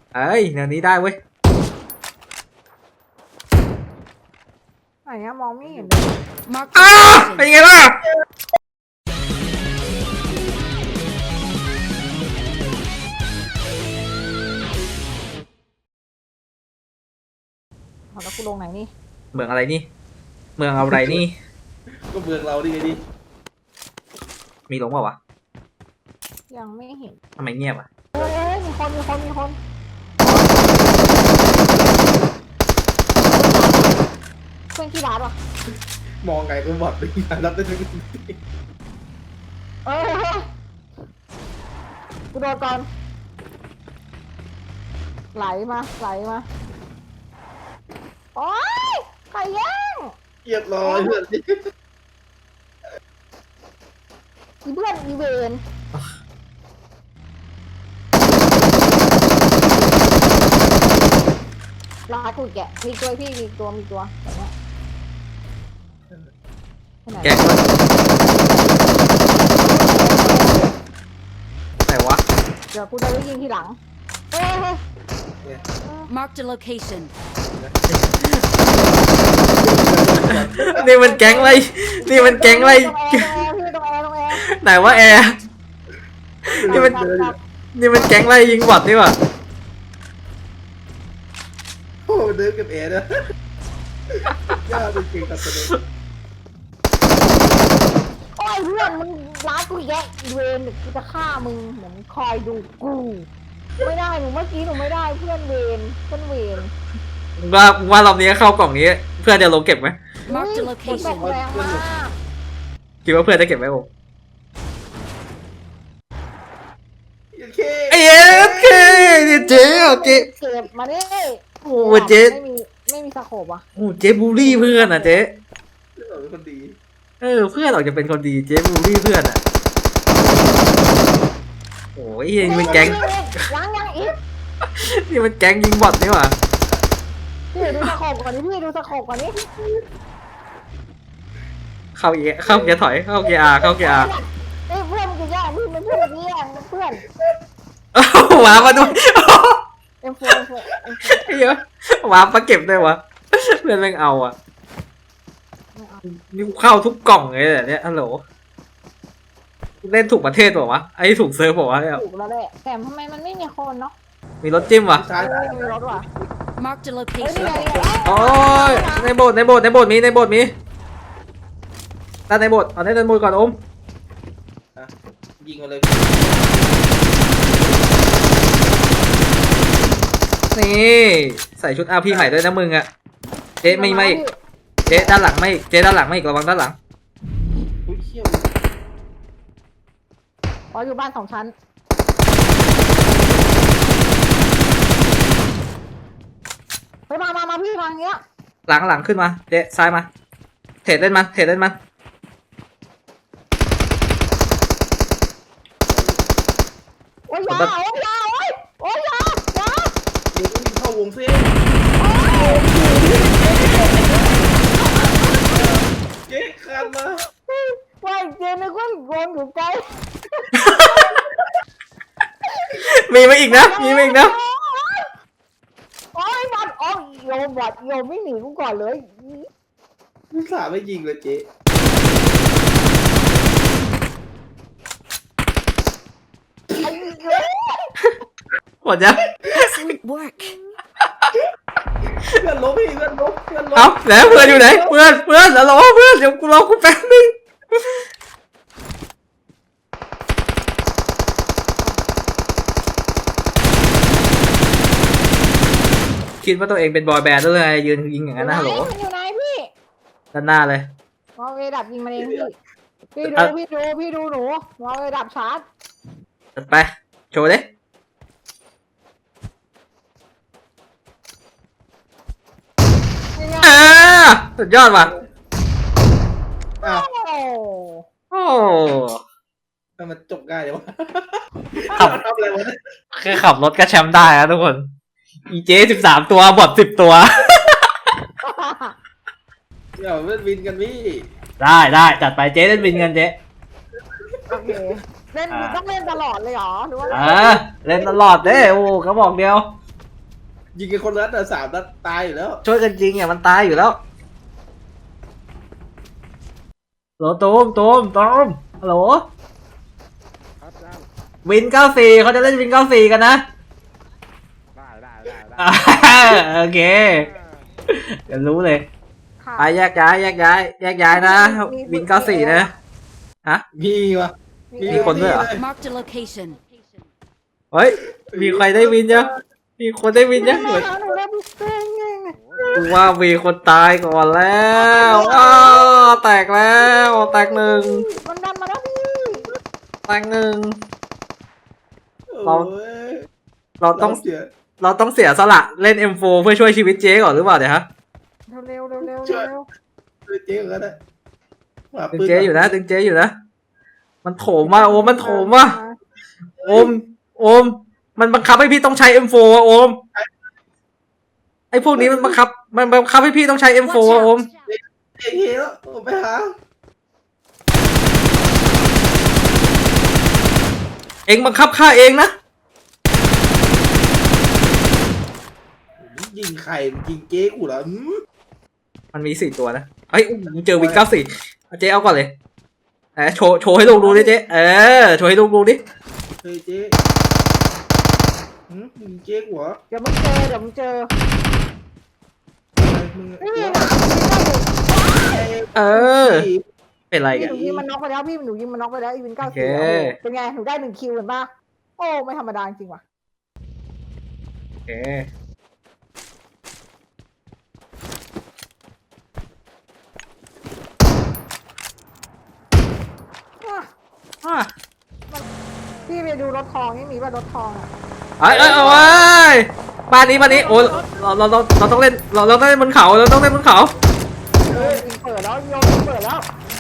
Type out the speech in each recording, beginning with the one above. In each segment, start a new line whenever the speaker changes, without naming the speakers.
เอ้ยแนวนี้ได้เว้ย
ไหนอะมองไม่เห็นเลย
Mark
อ้า
the
เป็น
location.
ไงล่ะ
แล้วกูลงไหนนี่
เมืองอะไรนี่ เมืองอะไรนี่
ก็เมืองเราดิไงดิ
มีลงเปล่าวะ
ยังไม่เห็น
ทำไมเงียบอ่ะ
เอ้ยมีคนเพื่อนที่ร้านวะ
มองไงก็บอดไปรับได้ทุกที
เอ้ยกูโดนก่อนไหลมาโอ๊ยใครแย่ง
เรียบร้อยเพื่อน
อีเพื่อนอีเวนลากูแกะมีตัวพี่มีตัวแบบเนี้ยไปไหน
แกงวะไหนวะ
เดี๋ยวกูจะไปยิงทีหลังเฮ้ย
Mark the location.
นี่มันแก๊งอะไรนี่มันแก๊งอะไร
ตรงแอร์
ไหนวะแอร์ นี่มัน นี่มันแก๊งอะไรยิงบอดนี่หว่า
โอ้เดินกับแอร์นะย่าเป็นเก่งกับตัวเอง
โอ้ยเพื่อนมึงร้านกูแยะอีเวนกูจะฆ่ามึงเหมือนคอยดูกูไม่ได้หนูเมื่อกี้หนูไม่ได้เพื่อนเวน
ว่ารอบนี้เข้ากล่องนี้ เพื่อนจะลงเก็บไหม
Mark the
ตก
location.
แรงมาก
คิดว่าเพื่อนจะเก็บไหมโอ้
โอเค
เอ้ยโอเคเจ๊โอเค
เก็บมาดิ
โอ้เจ๊
ไม่มีสโคปอ่ะ
โอ้เจ๊บูลลี่เพื่อนอ่ะเจ๊
เราเป็นคนดี
เพื่อนออกจะเป็นคนดีเจ๊บูลลี่เพื่อนอ่ะโอ้ยนี่มันแก๊ง
ยังอีก
นี่มันแก๊งยิงบอทนี่หว่า
พี่ดูสโคปก่อนนี่
เข้าเกียร์ถอยเข้าเกียร์อาเข้าเกียร์อา
เอ้ยเพื่อนกูแย่งพี่เป็นเพื่อนกูแย่งเพื่อน
หวามาด้วย
M4
เยอะหวามาเก็บด้วยวะเพื่อนแม่งเอาอ่ะนี่กูเข้าทุกกล่องเลยเนี่ยฮัลโหลเล่นถูกประเทศเปล่าวะไอ้ถูกเซิร์ฟเปล่าวะเนี่ย
ถูกแล้วแหละแต่ทำไมมันไม่มีคนเนาะ
มีรถจิ้มวะ
ซ้าย
มีรถว่ะ
Mark the
เฮ้ยนี่
location.
ไง
โอ้ยในโบสถ์มีด้านในโบสถ์เอาในโบสถ์ก่อนอม
ยิงมาเลย
นี่ใส่ชุดอาพีใหม่ด้วยนะมึงอ่ะเจ๊ไม่เจ๊ด้านหลังไม่เจ๊ด้านหลังไม่อีกระวังด้านหลัง
อุ้ยเขี้ยว
อ๋ออยู่บ้าน2 ชั้นไปมาพี่ทางเนี้ย
หลังขึ้นมาเจ๊ซ้ายมาเทรดเล่นมัน
โอ้ยยาโอ้ยยา
เดี๋ยววิ่งเข้าวงเส้นเจ๊คันมา
ว่าเจนนึกว่าโดนอยู่ไกล
มีมาอีกนะ
โอ้ยบอดโอ้ยโยไม่หนีกูก่อนเลย
ผู้สาวไม่ยิงเลยเจ๊
ไอ้เหี้ย
หมดยัง
Excellent work.
เพื่อนล้มพี่เพื่อนล้ม
เอาแล้วเพื่อนอยู่ไหนเพื่อนแล้วรอเพื่อนเดี๋ยวกูรอกูแป๊บนึงคิดว่าตัวเองเป็นบอยแบนด์ด้วยไงยืนยิงอย่างนั้นนะฮัลโหล
อยู่ไหนพี่
ด้านหน้าเลย
มอเวดับยิงมาเองพี่ดูหนูมอเวดับชาร์จ
จัดไปโชว์ดิสุดยอดว่ะ
อ้าว
โอ้
โอ้
ทำไมจบง่ายเลยวะ
ขับ
ทำอะไรวะ
แค่ขับรถก็แชมป์ได้นะทุกคนอีเจ13 ตัวบอท10 ตัว
เดี๋ยวเล่นวินกันพี่
ได้จัดไปเจ๊เล่นวินกันเจ๊
โอเคเล่นต้องเล่นตลอดเลยเหรอหรือว่า
เล่นตลอดเด้โอ้เขาบอกเดียว
ยิงกันคนละนัดสามนัดตายอยู่แล้ว
ช่วยกันจริงอ่ะมันตายอยู่แล้วฮัลโหลตูมฮัลโหล
ครับได้
วิน94เขาจะเล่นวิน94กันนะ
ได้
โอเคเดี๋ยวรู้เลย
ค่ะ
ไปแยกย้ายนะวิน94นะฮะ
มีวะ
มีคนด้วยเหรอ
Marked a location.
เฮ้ยมีใครได้วินยังมีคนได้วินยัง
หนูได้พี่เต้งไง
กูว่ามีคนตายก่อนแล้วแตกแล้วแตกหนึ่ง
มันดันมาแล้วพี่
แตกหนึ่ง
โอ้ย
เราต้อง
เสีย
เราต้องเสียสละเล่น M4 เพื่อช่วยชีวิตเจ๊ก่อนหรือเปล่าเนี่ยฮะ
เร็ว
เจ๊กันนะ
ดึงเจ๊อยู่นะมันโถมมาโอมมันโถมมาโอมมันบังคับให้พี่ต้องใช้ M4 อะโอมไอ้พวกนี้มันบังคับให้พี่ต้องใช้ M4
Watch
อะโอม
out!
เจ๊แล้วผมไปหา
เอ็งบังคับฆ่าเองนะ
ยิงใครยิงเจ๊กูเหรอ
มันมี4 ตัวนะเฮ้ยเจอวิน94เจ๊เอาก่อนเลยโชว์ให้ลูกดูดิเจ๊โชว์ให้ลูกดูดิ
เฮ้ยเจ๊ยิงเจ๊กูเหรอ
เดี๋ยวมึงเจอ
มึง
นี่
เป็นไร
พี่
กัน
หนูยิงมันน็อกไปแล้วพี่หนูยิงมันน็อกไปแล้วอีวิน
โอเค
94เป็นไงหนูได้1 คิวเห็นปะโอ้ไม่ธรรมดาจริงว่ะ
โอเคอ่ะ
พี่ไปดูรถทองนี่มีป่ะรถทองอ่ะ
เอาไว้บ้านนี้โอ้เราต้องเล่นเราต้องเล่นบนเขาเราต้องเล่นบนเขา
ยิงเปิดแล้วโยนเปิดแล้ว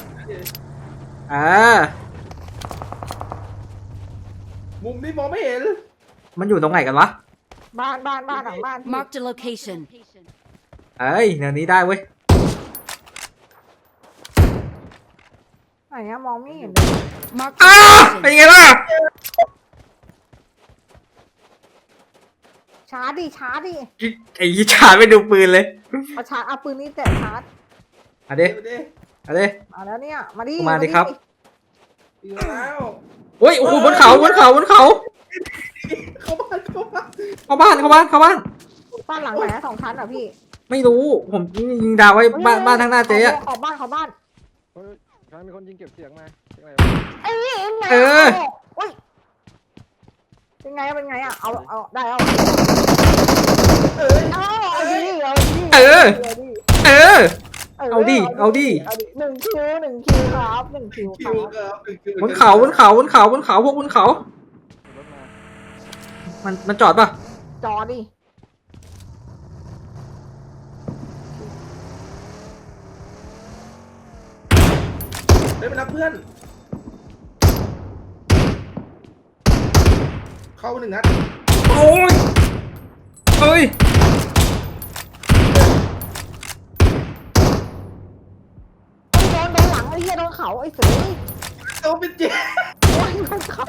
มุมนี้มองไม่เห็น
มันอยู่ตรงไหนกันวะ
บ้านหลังบ้าน
Marked a location.
เอ้ยแนวนี้ได้เว้ย
ไหนอะมองไม่เห็น
Marked
เป็น
a
ไงล่ะ
ชาร์จดิ
ไอ้ยี่ชาไม่ดูปืนเลย
เอาชาร์จเอาปืนนี่แต่ชาร์จ
เอาดิ
เจ๊
เอาดิ
มาแล้วเนี่ยมาดิ
มาดิครับ
ยิงแล้ว
โอ้ยโอ้โหบนเขา
เข้าบ้าน
เข้าบ้าน
บ้านหลังไหนอะ2 ชั้นเหรอพี่
ไม่รู้ผมยิงดาวไว้บ้านทางหน้าเจ๊อะ
ขอบบ้าน
เฮ้ยใครมีคนยิงเก็บเสียงมาเสียงอะไร
ไอ้นี่ไงโอ้ยเป็นไงอะเอาได้เอาเอาดิ
เอาดิ
1 คิวครับ1 คิวค
คิ
รั
ว
บ
ครับ
บนเขาพวกบนเขา
รถมา
มันจอดป่ะ
จอดิ
ได้ไปรับเพื่อน เข้า1 นัด
โอ้ยเฮ้ย
โดนหลังไอ้เหี้ยโดนเขาไอ้เสือ
โดนเป็นเจ๊
โดนเขา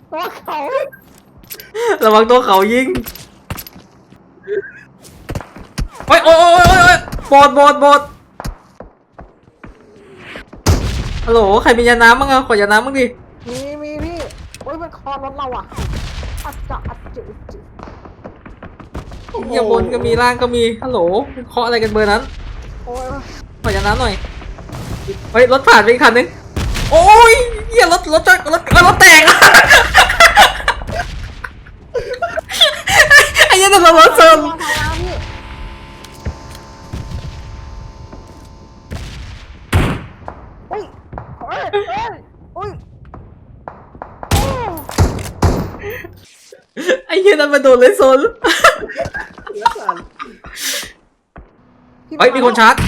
ระวังตัวเขายิงโอ้ยบอดฮัลโหลใครมียาน้ำบ้างอะขอยาน้ำบ้างดิ
มีพี่โอ้ยมันคอรถเราอ่ะอัดจุ
เยี่ยบนก็มีล่างก็มีฮัลโหลเคาะอะไรกันเบอร์นั้น
โอ้ย
ขอยาน้ำหน่อยเฮ้ยรถผ่านไปอีกคันนึงโอ้ยเหี้ยรถแตกอะ ไอ้เหี้ยนั่นรถเซิร์ฟ
อุ้ย
ไอ้เหี้ยนั่นมาโดนเลยโซนเฮ้ยมีคนชาร์จ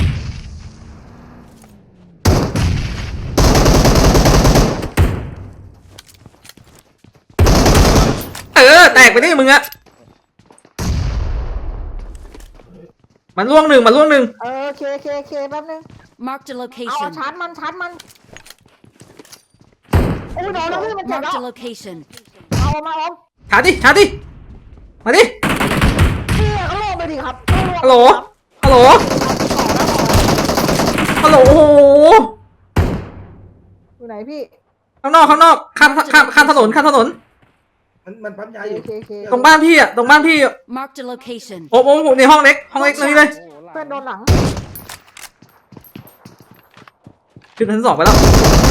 แตกไปดิมึงอะมันล่วงหนึ่ง
เคแป๊บนึง
Marked a
เอา
location.
ชาร์จมันโอ้ยโดนแล้วพี่มันเจ็บแล้
Marked
ว
a location.
เอามา
ชาร์จดิมาดิ
พี่เขาโหลครับ
ฮัลโหลฮัลโหลฮัลโหลโอ้โห
อยู่ไหนพี่
ข้างนอกข้ามถนน
มันปั๊มยาอ
โอยู่ เคโอเค
ตรงบ้านพี่อะตรงบ้านพี่อะ
Marked a location.
โอ้โหในห้องเล็กนี่เลย
โอ้โหหลัง
เพื่อนโดนหลัง
ขึ้นชั้น 2ไปแล้ว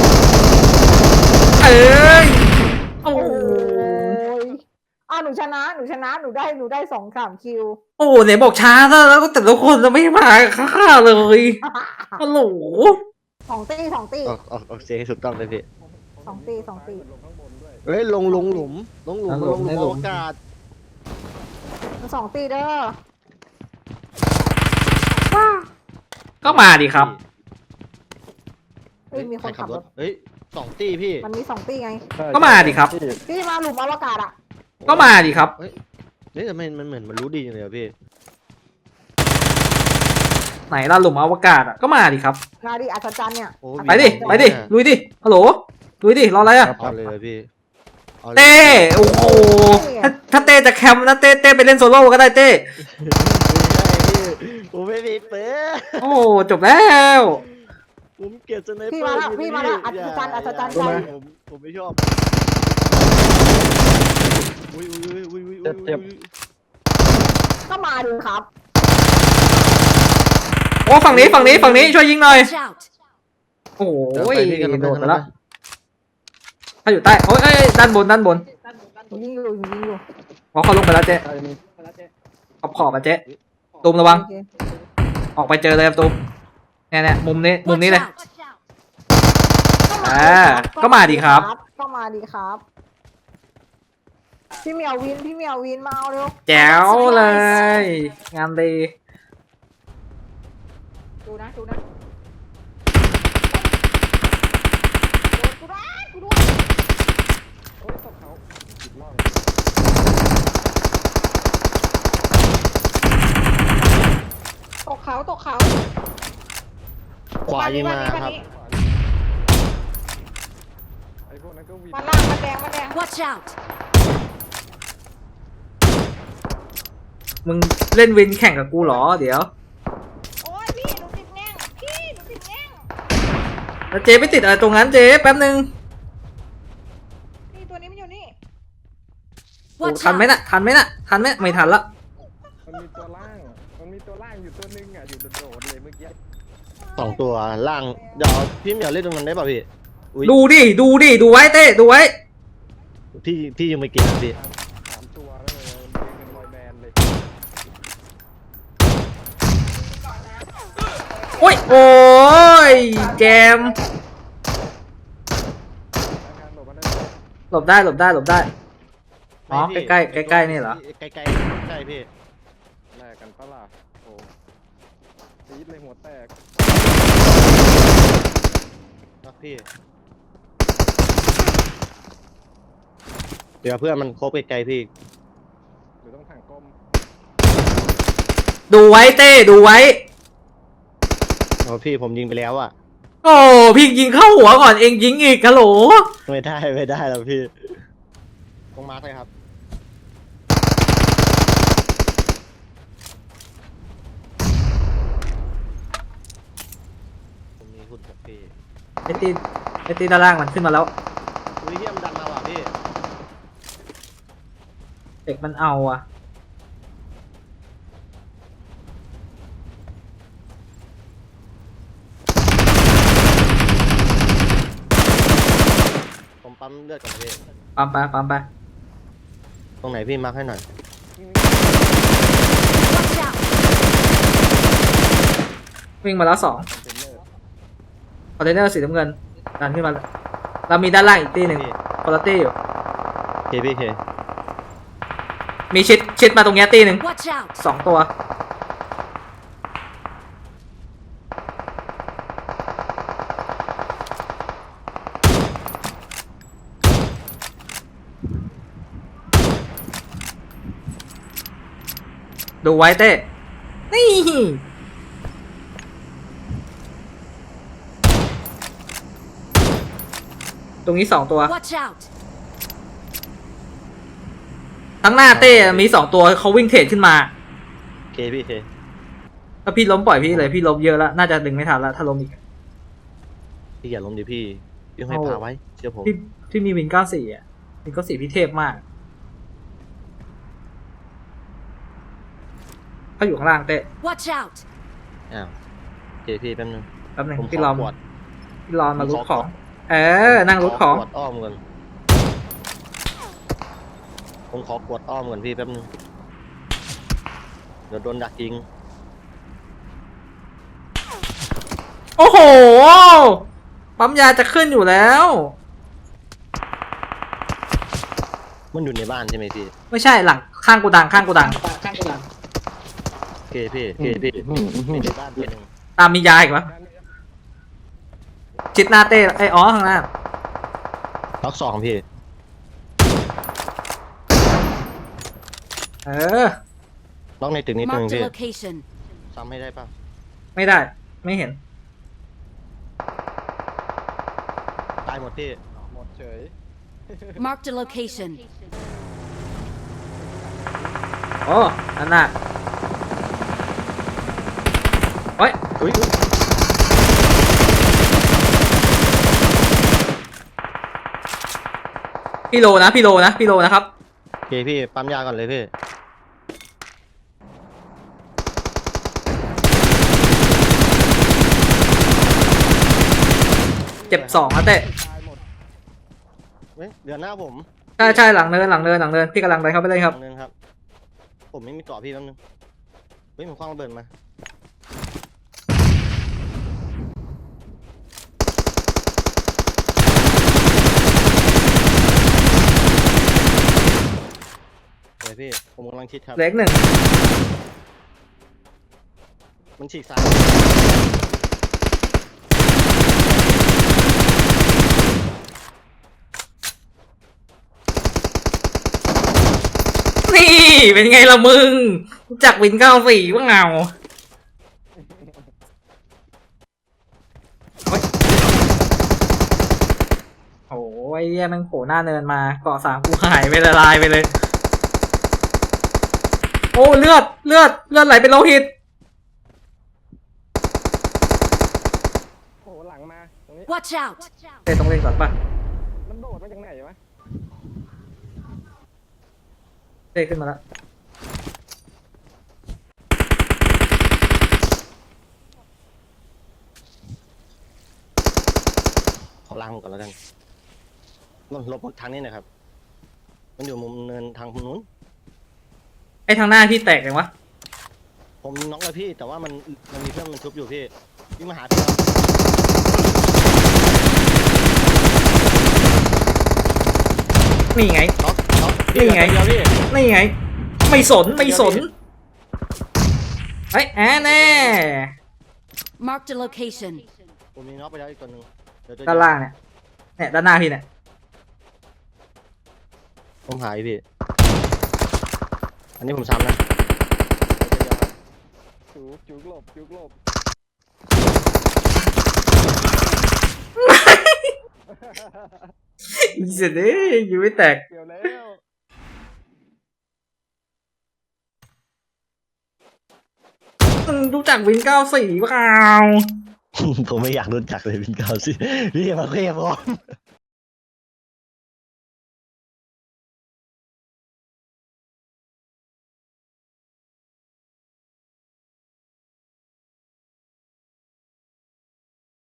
เอ้ยโอ้โห
โอ้ยอ้าวหนูชนะหนูได้2-3 คิว
โอ้โหไหนบอกช้าซะแล้วแต่ละคนจะไม่มาฆ่าเลยฮัลโหล
2 ตี
ออกเสียงให้ถูกต้องเลยพี่
2 ตี 2 ตี
ลงข้างบนด้วย
เฮ้ยลงหลุมอวกาศ
มัน2 ตีเด้อ
ก็มาดิครับ
เฮ้ยมีคนขับรถ
เฮ้ย2 ตีพี่
มันมี2 ตีไง
ก็มาดิครับ
พี่มาหลุมอวกาศอ่ะ
ก็มาดิครับ
เฮ้ยแต่มันเหมือนมันรู้ดีจังเลยอะพี่
ไหนล่ะหลุมอวกาศอะก็มาดิครับ
มาดิอัศจรรย์เนี่ย
โอ้
ไปดิลุยดิฮัลโหลลุยดิรออะไรอะ
เอาเลยพี่อาลย
เต้โอ้โหถ้าเต้จะแคมป์นะเต้ไปเล่นโซโล่ก็ได้เต้
ผมไม่มีเปิด
โอ้จบแล้ว
ผมเกลียดสไนเปอร์
พี่มาแล้วอัศจรรย์ใจ
ผมไม่ชอบอุ้ย
ก็มาดิครับ
โอ้ฝั่งนี้ช่วยยิงหน่อย
Watch out.
โอ้โห
พี่กัน
โดดไปแล้วถ้าอยู่ใต้โอ้ยด้านบน
ยิงอยู่
พอเขาลงไปแล้วเจ๊
ใช่มี
ขอบมาเจ๊ตูมระวัง
โอเค
ออกไปเจอเลยครับตูมเนี่ยมุมนี้
Watch
เลย
out.
ก็มาดิครับ
ก็มาดีครับ พี่เหมียววินมาเอาเร็ว
แจ๋วเลย งานดี
ดูนะกูด้วย
โอ้ยตกเขาผิดล่อง
ตกเขา
ขวายิงมาครับ
ไอ้พวกนั้นก็วิน
มันล่างมันแดง
Watch out.
มึงเล่นวินแข่งกับกูเหรอเดี๋ยว
โอ้ยพี่หนูติดแง่ง
แล้วเจ๊ไปติดอะไรตรงนั้นเจ๊แป๊บนึง
นี่ตัวนี้มันอยู่นี่
โอ้
Watch
ทันไหม
out.
น่ะไม่ทันละ
มันมีตัวล่างอยู่ตัวนึงอ่ะอยู่โดดๆเลยเมื่อกี้
2 ตัวล่างเดี๋ยวพี่เหมียวเล่นตรงนั้นได้ป่ะพี่อุ๊ย
ดูดูไว้เต้ดูไว้
พี่ยังไม่เก่งนะพี่
3 ตัวแล้วเลยมันเป็นบอยแบนด์เลย
โอ้ยแจม
อาการหลบมาได้
หลบได้อ๋อใกล้นี่เหรอ
ใกล้พี่
แลกกันปะล่ะโอ้ตีดเลยหัวแตก
ครับพี่เดี๋ยวเพื่อนมันครบไกลๆพี่
หรือต้องถังก้ม
ดูไว้เต้ดูไว้
โอ้พี่ผมยิงไปแล้วอ่ะ
โอ้พี่ยิงเข้าหัวก่อนเองยิงอีกฮัลโหล
ไม่ได้แล้วพี่ตรงมาร์คเลยครับผมมีหุ่นกับพี่
ไอตีด้านล่างมันขึ้นมาแล้ว
อุ้ยเฮียมันดันมาว่ะพี่
เด็กมันเอาอะ
ผมปั๊มเลือดก่อนนะพี่
ปั๊มไป
ตรงไหนพี่มาร์คให้หน่อย
Watch out.
วิ่งมาแล้ว2
เทรนเนอร์
คอนเทนเนอร์สีน้ำเงินดันขึ้นมาเรามีด้านล่างอีกตีหนึ่ง
พี่
คนละตีอยู่
พี่เค
มีชิดมาตรงเนี้ยตีหนึ่ง
Watch out.
2 ตัว ดูไว้เต้ นี่ ตรงนี้2 ตัว
Watch out.
ทั้งหน้าเต้มี2 ตัวเขาวิ่งเทรดขึ้นมา
เคพี่เค
ถ้าพี่ล้มปล่อยพี่เลยพี่ล้มเยอะแล้วน่าจะดึงไม่ทันแล้วถ้าล้มอีก
พี่อย่าล้มดิพี่พี่ให้พาไว้เชื่อผม
พี่มีวิน94อ่ะวิน94พี่เทพมากเขาอยู่ข้างล่างเต้
Watch out!
อ้าวเคพี่แป๊บนึง
แป๊บหนึง
ผม
พี่
ข
ร
อ
อ
กวด
พี่รอมา
ผม
รู
ข
ด
อ
ของ นั่งรูดของ
ขกวดอ้อมก่อนผมขอกวดอ้อมก่อนพี่แป๊บนึงเดี๋ยวโดนดักยิง
โอ้โหปั๊มยาจะขึ้นอยู่แล้ว
มันอยู่ในบ้านใช่ไหมพี่
ไม่ใช่หลังข้างกูดัง
เคพี่มีในบ้านตัวหนึง
ตามมียาอีกปะชิดหน้าเต้ไอ้อ๋อข้างหน้า
ล็อก2พี่ ล็อกในตึกนิดนึง
Marked
พี่
a location.
ซ้ำให้ได้ป่ะ
ไม่ได้ ไม่เห็น
ตายหมดพี่
หมดเฉย
Marked a location.
โอ้นั่นน่ะเฮ้ย
อุ้ย
พี่โลนะครับ
โอเคพี่ปั๊มยาก่อนเลยพี่
เจ็บ2นะเต้
ตายหมด
เว้ยเดี๋ยวหน้าผม
ใช่หลังเนินพี่กำลังเดินเข้าไปเลยครับ
นึงครับ ผมไม่มีเกาะพี่แป๊บนึงเฮ้ยผมคว้างระเบิดมาเดี๋ยวพี่ผมกำลังชิดครับ
เล็กหนึ่ง
มันฉีกซ้าย
นี่เป็นไงล่ะมึงรู้จักวิน94ว่าเงาโอ้ยเหี้ยแมันโผล่หน้าเนินมาเกาะ3กูหายไปละลายไปเลย โอ้เลือดไหลเป็นโลหิต
โอ้โหหลังมาตรงนี้
Watch out!
เต้ต้องเล่นก่อนป่ะ
มันโดดมาจากไหนวะ
เต้ขึ้นมาแล้ว
ขอล้างมันก่อนแล้วกันลบทางนี้หนะครับ มันอยู่มุมเนินทางนู้น
ไอ้ทางหน้าพี่แตกยังวะ
ผมน็อกแล้วพี่ แต่ว่ามันมีเพื่อนมันชุบอยู่พี่วิ่งมาหาพี่แล้ว
นี่ไง
น็อก
นี่ไง
เดียวพี่
นี่ไง ไม่สนเฮ้ยแน่
Marked a location.
ผมมีน็อกไปแล้วอีกตัวหนึงเดี๋ยวตัว
ด้านล่างเนี่ยด้านหน้าพี่เนี่ย
ผมหายพี่ อันนี้ผมซ้ำนะ
จุกหลบ
อีเสร็จดิอยู่ไม่แตก
เกี่ยวแล้ว
มึงรู้จักวิน94เปล่า
ผมไม่อยากรู้จักเลยวินเก้าสิพี่มาเรียกผม